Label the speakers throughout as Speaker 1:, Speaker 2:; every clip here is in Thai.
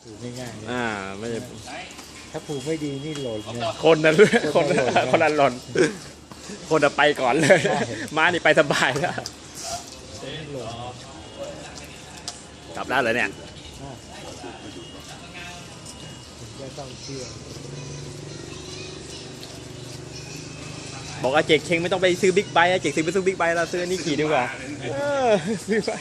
Speaker 1: ผูกง่ายๆ
Speaker 2: ไม่ใช่
Speaker 1: ถ้าผูกไม่ดีนี่หล่นเลย
Speaker 2: คนนั้นคนนั้นหล่นคนจะไปก่อนเลยม้านี่ไปสบายแล้วกลับได้เลยเนี่ย
Speaker 1: ก็ต้องเชื่อ
Speaker 2: บอกว่าเจกเชงไม่ต้องไปซื้อบิ๊กไบค์เจกซื้อไปซื้อบิ๊กไบค์เราซื้อนี่ขี่ดีกว่าซื้อไป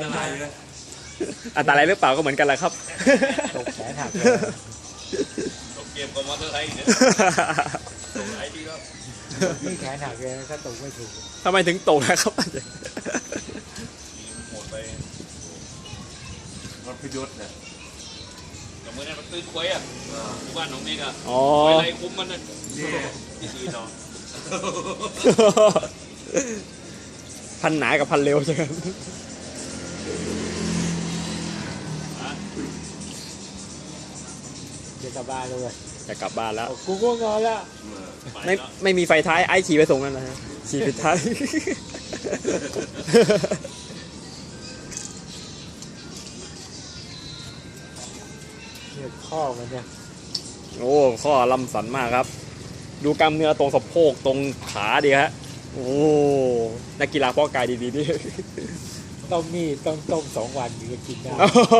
Speaker 2: อันตรายหรือเปล่าก็เหมือนกันแหละครับ
Speaker 1: ตกแขนหัก
Speaker 3: ตกเกมกับมอเตอร์ไซค์เนี่ยตกไอ้ที่ก็
Speaker 1: นี่แขนหักเลยถ้าตกไม่ถูก
Speaker 2: ทำไมถึงตกนะครับ
Speaker 3: หมดไปรถพยศเนี่ยกับมือนั่นมันตื้นควยอ่ะที่บ้านของเมกอ่ะอะไรคุ้มมันนั่นที่ต่อ
Speaker 2: พันหนากับพันเร็วใช่ไหม
Speaker 1: จะกลับบ้านเลย
Speaker 2: จะกลับบ้านแล้ว
Speaker 1: กูก็งอนแล้ว
Speaker 2: ไม่มีไฟท้ายไอ้ขี่ไปส่งนั่นนะขี่ปิดท้าย
Speaker 1: เนี่ยข้อมันเนี่ย
Speaker 2: โอ้ข้อลำสันมากครับดูกล้ามเนื้อตรงสะโพกตรงขาดีฮะโอ้นักกีฬาเพาะกายดีๆนี่
Speaker 1: ต้มนี่ต้องต้ม2 วันถึงจะกินได้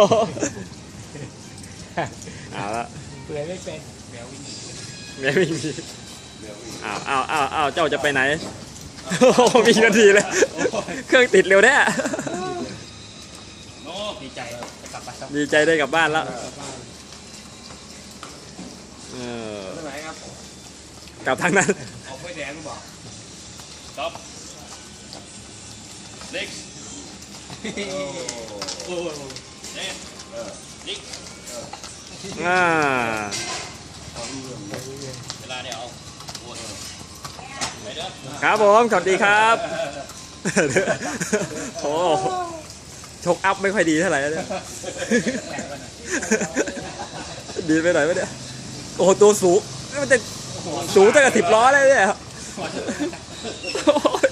Speaker 2: เอาละ
Speaker 1: เปลือยไม่เป็น
Speaker 2: ไม่มีอ้าวเจ้าจะไปไหนมีนาทีเลยเครื่องติดเร็วแน่
Speaker 3: ดีใจกลับบ้าน
Speaker 2: ดีใจได้กลับบ้านแล้ว
Speaker 3: ไหนครับ
Speaker 2: กลับทางนั้น
Speaker 3: ออกไฟแดงหรือเปล่าครับเล็กนิกเวลาเดี๋ยวไปเด้อ
Speaker 2: ครับผมสวัสดีครับโอ้ชกอัพไม่ค่อยดีเท่าไหร่เนี่ยดีไปหน่อยไหมเนี่ยโอ้ตัวสูงมันจะสูงตั้งแต่10 ล้อเลยเนี่ย